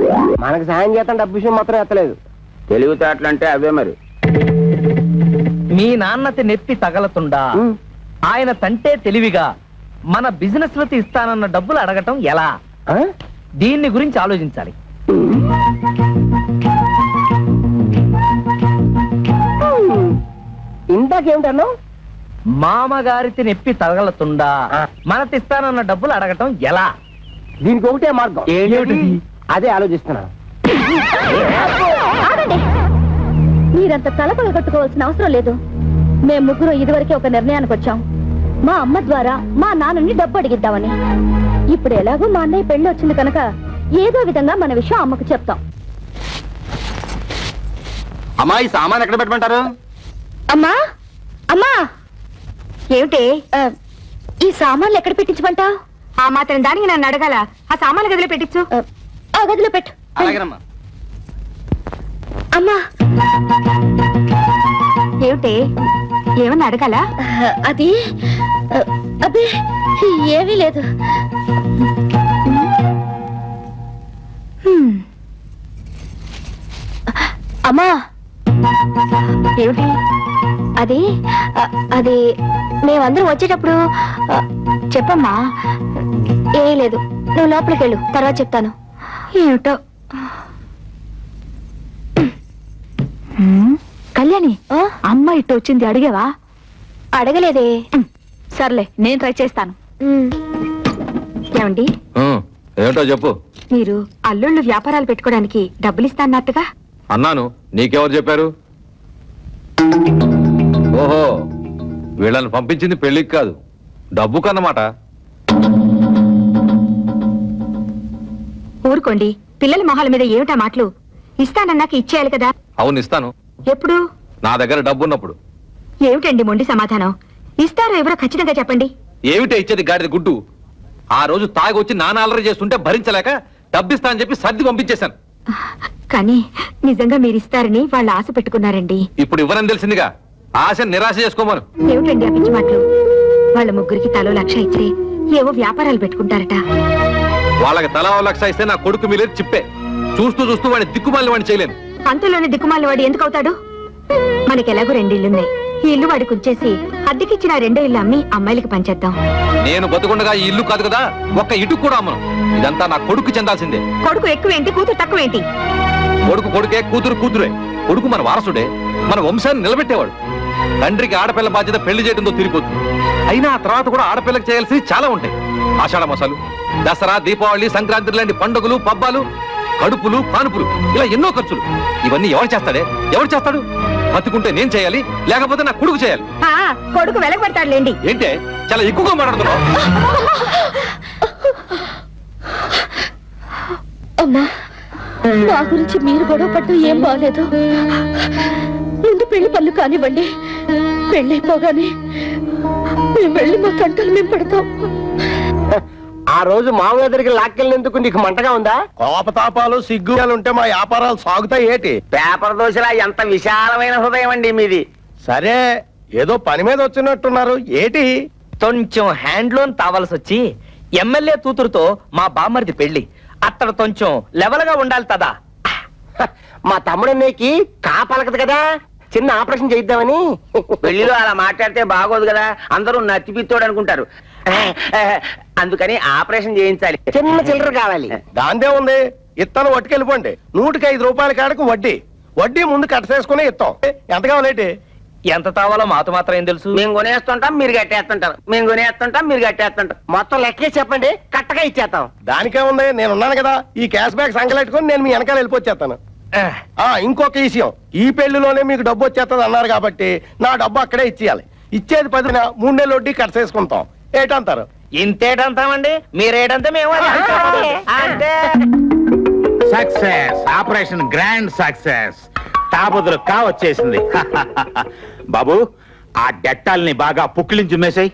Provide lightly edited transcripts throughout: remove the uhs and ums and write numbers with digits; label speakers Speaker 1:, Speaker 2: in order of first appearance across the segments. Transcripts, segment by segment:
Speaker 1: మనకు సాయం చేస్తాను డబ్బు విషయం మాత్రం ఎత్తలేదు.
Speaker 2: తెలివితేటలంటే అవే మరి.
Speaker 3: మీ నాన్నతి నెప్పి తగలతుండా ఆయన తంటే తెలివిగా మన బిజినెస్ లో ఇస్తానన్న డబ్బులు అడగటం ఎలా? దీన్ని గురించి ఆలోచించాలి.
Speaker 1: ఇందాకేమిటన్నా?
Speaker 3: మామగారికి నెప్పి తగలతుండా మనతిస్తానన్న డబ్బులు అడగటం ఎలా?
Speaker 1: దీనికి ఒకటే మార్గం. అదే ఆలోచిస్తున్నా.
Speaker 4: మీరంత తలపగ కట్టుకోవాల్సిన అవసరం లేదు. మేము ముగ్గురు ఇదివరకే ఒక నిర్ణయానికి వచ్చాం. మా అమ్మ ద్వారా మా నాన్నని డబ్బు అడిగిద్దామని. ఇప్పుడు ఎలాగో మా అన్నయ్య పెళ్లి వచ్చింది కనుక ఏదో విధంగా మన విషయం అమ్మకు చెప్తాం.
Speaker 2: అమ్మా, ఈ సామాన్ ఎక్కడ పెట్టమంటారు?
Speaker 4: అమ్మా అమ్మా, ఏమిటి ఈ సామాన్లు ఎక్కడ పెట్టించమంటా?
Speaker 5: ఆ మాత్రం దానికి నన్ను అడగాల? ఆ సామాన్లు గదిలో పెట్టించు.
Speaker 4: ఆ గదిలో పెట్టు.
Speaker 2: అలాగేనమ్మా.
Speaker 4: అమ్మా,
Speaker 5: ఏమిటి ఏమన్నా అడగాల?
Speaker 4: అది అబ్బే ఏమీ లేదు. అమ్మా,
Speaker 5: ఏమిటి
Speaker 4: అది అది మేమందరం వచ్చేటప్పుడు చెప్పమ్మా. ఏం లేదు, నువ్వు లోపలికి వెళ్ళు, తర్వాత చెప్తాను.
Speaker 5: ఏమిటో. కళ్యాణి, అమ్మ ఇట్టు వచ్చింది అడిగావా?
Speaker 4: అడగలేదే.
Speaker 5: సర్లే, నేను ట్రై చేస్తాను. ఏమండి,
Speaker 6: ఏమిటో చెప్పు.
Speaker 5: మీరు అల్లుళ్ళు వ్యాపారాలు పెట్టుకోవడానికి డబ్బులు ఇస్తాన్నట్టుగా
Speaker 6: అన్నాను. నీకెవరు చెప్పారు? ఓహో, వీళ్ళని పంపించింది పెళ్లికి కాదు, డబ్బు కన్నమాట.
Speaker 5: ఊరుకోండి, పిల్లల మొహాల మీద ఏమిటా మాటలు? ఇస్తానన్నాక ఇచ్చేయాలి కదా.
Speaker 6: అవును, ఇస్తాను.
Speaker 5: ఎప్పుడు?
Speaker 6: నా దగ్గర డబ్బు ఉన్నప్పుడు.
Speaker 5: ఏమిటండి మొండి సమాధానం? ఇస్తారో ఎవరో ఖచ్చితంగా చెప్పండి.
Speaker 6: ఏమిటే ఇచ్చేది గాడిద గుడ్డు? ఆ రోజు తాగి వచ్చి నాన్న అల్లరి చేస్తుంటే భరించలేక డబ్బిస్తా అని చెప్పి సర్ది పంపించేశాను.
Speaker 5: కానీ నిజంగా మీరు ఇస్తారని వాళ్ళు ఆశ పెట్టుకున్నారండి.
Speaker 6: ఇప్పుడు ఇవ్వరని తెలిసిందిగా, ఆశ నిరాశ చేసుకోమను.
Speaker 5: ఏమిటండి ఆ పిచ్చి మాటలు? వాళ్ళ ముగ్గురికి తలో 1,00,000 ఇచ్చి ఏవో వ్యాపారాలు పెట్టుకుంటారట.
Speaker 6: వాళ్ళకి తలా 1,00,000 ఇస్తే నా కొడుకు మీలేదు చిప్పే. చూస్తూ చూస్తూ వాడిని దిక్కుమాలి వాడిని చేయలేను.
Speaker 5: అంతలోనే దిక్కుమాలి వాడు ఎందుకు అవుతాడు? మనకెలాగో 2 ఇళ్లున్నాయి. ఈ ఇల్లు వాడికి ఉంచేసి అద్దెకిచ్చిన 2 ఇల్లు అమ్మి అమ్మాయిలకి పంచేద్దాం.
Speaker 6: నేను బతుకుండగా ఈ ఇల్లు కాదు కదా, ఒక్క ఇటుకు కూడా అమ్మను. ఇదంతా నా కొడుకు చెందాల్సిందే.
Speaker 5: కొడుకు ఎక్కువేంటి, కూతురు తక్కువేంటి?
Speaker 6: కొడుకు కొడుకే, కూతురు కూతురే. కొడుకు మన వారసుడే, మన వంశాన్ని నిలబెట్టేవాడు. తండ్రికి ఆడపిల్ల బాధ్యత పెళ్లి చేయడంతో తిరిగిపోతుంది. అయినా ఆ తర్వాత కూడా ఆడపిల్లకి చేయాల్సి చాలా ఉంటాయి. ఆషాఢ మాసాలు, దసరా, దీపావళి, సంక్రాంతి లాంటి పండుగలు, పబ్బాలు, కడుపులు, కానుపులు, ఇలా ఎన్నో ఖర్చులు. ఇవన్నీ ఎవరు చేస్తాడే? ఎవరు చేస్తాడు? బతుకుంటే నేను చేయాలి, లేకపోతే నా కొడుకు చేయాలి.
Speaker 5: కొడుకు వెలగబెడతాడులేండి.
Speaker 6: ఏంటే చాలా ఎక్కువగా మాట్లాడుతున్నావు?
Speaker 4: అమ్మా, మా గురించి మీరు గొడవ పడ్డం ఏం బాగలేదు. ముందు పెళ్లి పనులు కానివ్వండి. పెళ్ళైపోగానే మేము వెళ్ళి మా తంటలు మేము పడతాం.
Speaker 1: ఆ రోజు మామూలు దగ్గరికి లాక్కెళ్ళినందుకు నీకు మంటగా ఉందా?
Speaker 2: కోపతాపాలు సిగ్గులు ఉంటే మా వ్యాపారాలు సాగుతాయి ఏటి?
Speaker 1: పేపర్ దోశలా ఎంత విశాలమైన హృదయం అండి మీది.
Speaker 2: సరే, ఏదో పని మీద వచ్చినట్టున్నారు ఏటి?
Speaker 3: కొంచెం హ్యాండ్ లోన్ తావాల్సి వచ్చి ఎమ్మెల్యే కూతురుతో మా బామ్మర్ది పెళ్లి. అతడు కొంచెం లెవెల్ గా ఉండాలి కదా.
Speaker 1: మా తమ్ముడన్నయ్యకి కాపలకదు కదా, చిన్న ఆపరేషన్ చేయిద్దామని.
Speaker 2: పెళ్లిలో అలా మాట్లాడితే బాగోదు కదా, అందరూ నత్తిపిత్తోడు అనుకుంటారు. అందుకని ఆపరేషన్ చేయించాలి.
Speaker 1: చిన్న చిల్లర కావాలి.
Speaker 2: దాందే ఉంది, ఇత్తనం పట్టుకెళ్ళిపోండి. 105 రూపాయల కాడకు వడ్డీ. వడ్డీ ముందు కట్టసేసుకుని ఇస్తాం. ఎంత కావాలేటి?
Speaker 3: ఎంత తావాలో మాతో మాత్రం ఏం తెలుసు?
Speaker 1: మేము కొనేస్తుంటాం, మీరు కట్టేస్తుంటారు. మేము కొనేస్తుంటాం, మీరు కట్టేస్తుంటాం. మొత్తం లెక్కే చెప్పండి, కట్టగా ఇచ్చేస్తాం.
Speaker 2: దానికే ఉంది, నేనున్నాను కదా. ఈ క్యాష్ బ్యాక్ సంగలెట్టుకుని నేను మీ వెనకాల వెళ్ళిపోచ్చేస్తాను. ఇంకొక విషయం, ఈ పెళ్లిలోనే మీకు డబ్బు వచ్చేస్తుంది అన్నారు కాబట్టి నా డబ్బు అక్కడే ఇచ్చేయాలి. ఇచ్చేది 10 3 నెలలు వడ్డీ కట్టసేసుకుంటాం. ఏటంటారు?
Speaker 3: ఇంతేటంతామండి, మీరేటంతా మేము అంటే.
Speaker 7: Success, operation grand success. తాబుదులు వచ్చేసింది. బాబు, ఆ డెట్టాల్ని బాగా పుక్కిలించి మేసాయి.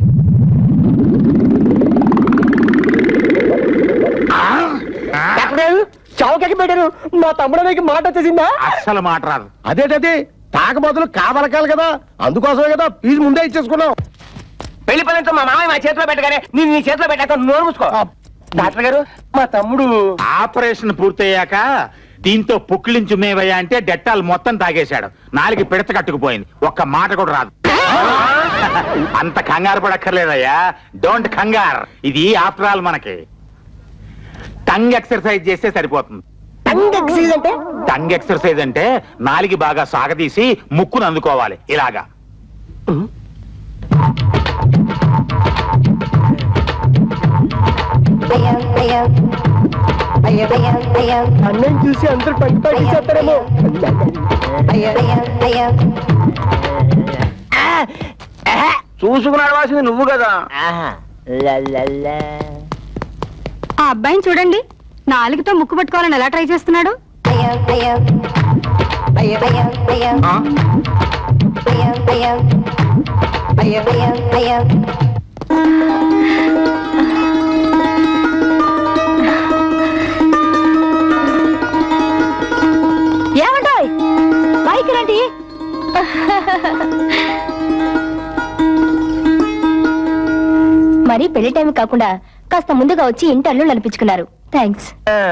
Speaker 1: చౌకకి పెట్టారు. మా తమ్ముడానికి మాట వచ్చేసిందా?
Speaker 7: అస్సలు మాట రాదు.
Speaker 2: అదేటది, తాక బదులు కావలకాలి కదా, అందుకోసమే కదా ఫీజు ముందే ఇచ్చేసుకున్నాం.
Speaker 1: పెళ్లి పనులతో మా మామయ్య మా చేతిలో పెట్టగానే నేను నీ చేతిలో పెట్టాక నోరు మూసుకో. డాక్టర్ గారు మా తమ్ముడు
Speaker 7: ఆపరేషన్ పూర్తయ్యాక దీంతో పుక్కిలించు మేవయ్యా అంటే డెట్టాలు మొత్తం తాగేశాడు. నాలుగు పిడత కట్టుకుపోయింది, ఒక్క మాట కూడా రాదు. అంత కంగారు పడక్కర్లేదయ్యా, డోంట్ కంగార్. ఇది ఆఫ్టర్ ఆల్ మనకి టంగ్ ఎక్సర్సైజ్ చేస్తే సరిపోతుంది.
Speaker 1: టంగ్ ఎక్సైజ్ అంటే
Speaker 7: టంగ్ ఎక్సర్సైజ్ అంటే నాలుగు బాగా సాగదీసి ముక్కును అందుకోవాలి ఇలాగా.
Speaker 1: అన్నం చూసి అందరూ పంట చేస్తారేమో. చూసుకుని అడవాల్సింది నువ్వు కదా.
Speaker 5: ఆ అబ్బాయిని చూడండి, నాలుగుతో ముక్కు పట్టుకోవాలని ఎలా ట్రై చేస్తున్నాడు.
Speaker 4: ఏమంటాయ్ పైకి రండి. మరి పెళ్లి టైం కాకుండా కాస్త ముందుగా వచ్చి ఇంటర్లు నడిపించుకున్నారు. థ్యాంక్స్.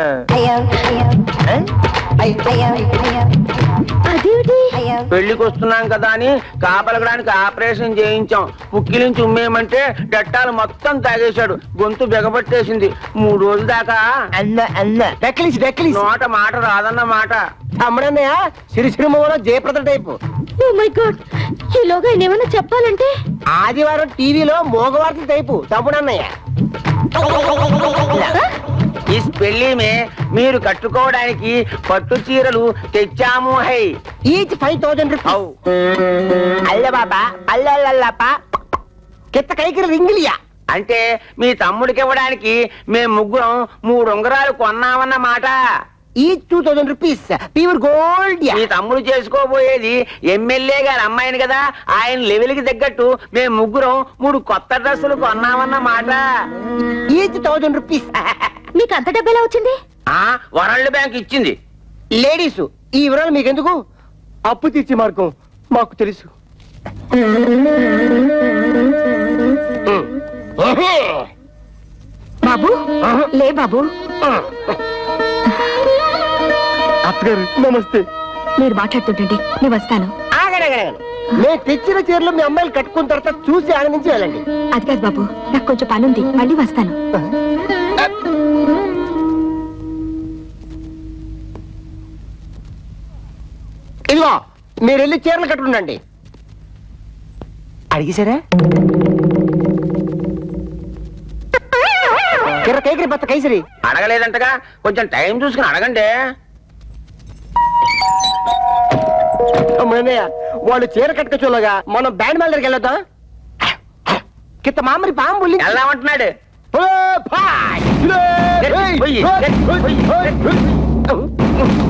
Speaker 4: అదేమిటి
Speaker 1: పెళ్లికి వస్తున్నాం కదా అని కాపలగడానికి ఆపరేషన్ చేయించాం. పుక్కిలించి ఉమ్మేయమంటే డట్టాలు మొత్తం తాగేశాడు. గొంతు బిగపట్టేసింది. 3 రోజుల దాకా నోట మాట రాదన్న మాట.
Speaker 2: తమ్ముడన్నయ్య సిరిసిరిమలో Jayaprada type.
Speaker 4: Oh my God, ఈలోగా ఆయన ఏమైనా చెప్పాలంటే
Speaker 2: ఆదివారం టీవీలో మోగవార్తల టైపు తమ్ముడన్నయ్య.
Speaker 1: ఈ పెళ్లి మే మీరు కట్టుకోవడానికి పట్టు చీరలు తెచ్చాము. హై
Speaker 2: ఈచ్ 5,000 రూపీస్.
Speaker 1: ఔ. అల్ల బాబా అల్లల్లప్ప
Speaker 2: కిత్త కైకి రింగిలియా.
Speaker 1: అంటే మీ తమ్ముడికి ఇవ్వడానికి మేము ముగ్గురం 3 ఉంగరాలు కొన్నామన్న మాట.
Speaker 2: Each 2,000 rupees pure gold.
Speaker 1: మీ తమ్ముడు చేసుకోబోయేది ఎమ్మెల్యే గారి అమ్మాయిని కదా. ఆయన లెవెల్ కి తగ్గట్టు మేము ముగ్గురం 3 కొత్త డ్రెస్సులు కొన్నామన్న మాట.
Speaker 2: Each 1,000 rupees.
Speaker 4: మీకు అంత డబ్బెలా వచ్చింది?
Speaker 1: వరల్డ్ బ్యాంక్ ఇచ్చింది.
Speaker 2: లేడీస్ ఈ వివరాలు మీకెందుకు? అప్పు తీర్చే మార్గం మాకు తెలుసు.
Speaker 5: బాబు లే బాబు.
Speaker 2: అత్తగారు నమస్తే.
Speaker 5: మీరు మాట్లాడుతుంటండి, నేను వస్తాను.
Speaker 2: నేను తెచ్చిన చీరలు మీ అమ్మాయిలు కట్టుకున్న తర్వాత చూసి ఆనందించి వెళ్ళండి.
Speaker 5: అది కాదు బాబు, నాకు కొంచెం పనుంది, మళ్ళీ వస్తాను.
Speaker 2: ఇదిగో మీరు వెళ్ళి చీరలు కట్టుకుండండి. అడిగేశారా? కిర్ర కేకరి బత్త కైసరి.
Speaker 1: అడగలేదంటగా, కొంచెం టైం చూసుకుని అడగండి.
Speaker 2: అమ్మయ్య, వాళ్ళు చీర కట్టుకోగా మనం బ్యాండ్ మేళ దగ్గరికి వెళ్ళొద్దాం. కిత్త మామరి పాము
Speaker 1: వెళ్దామంటున్నాడు.
Speaker 2: పులి.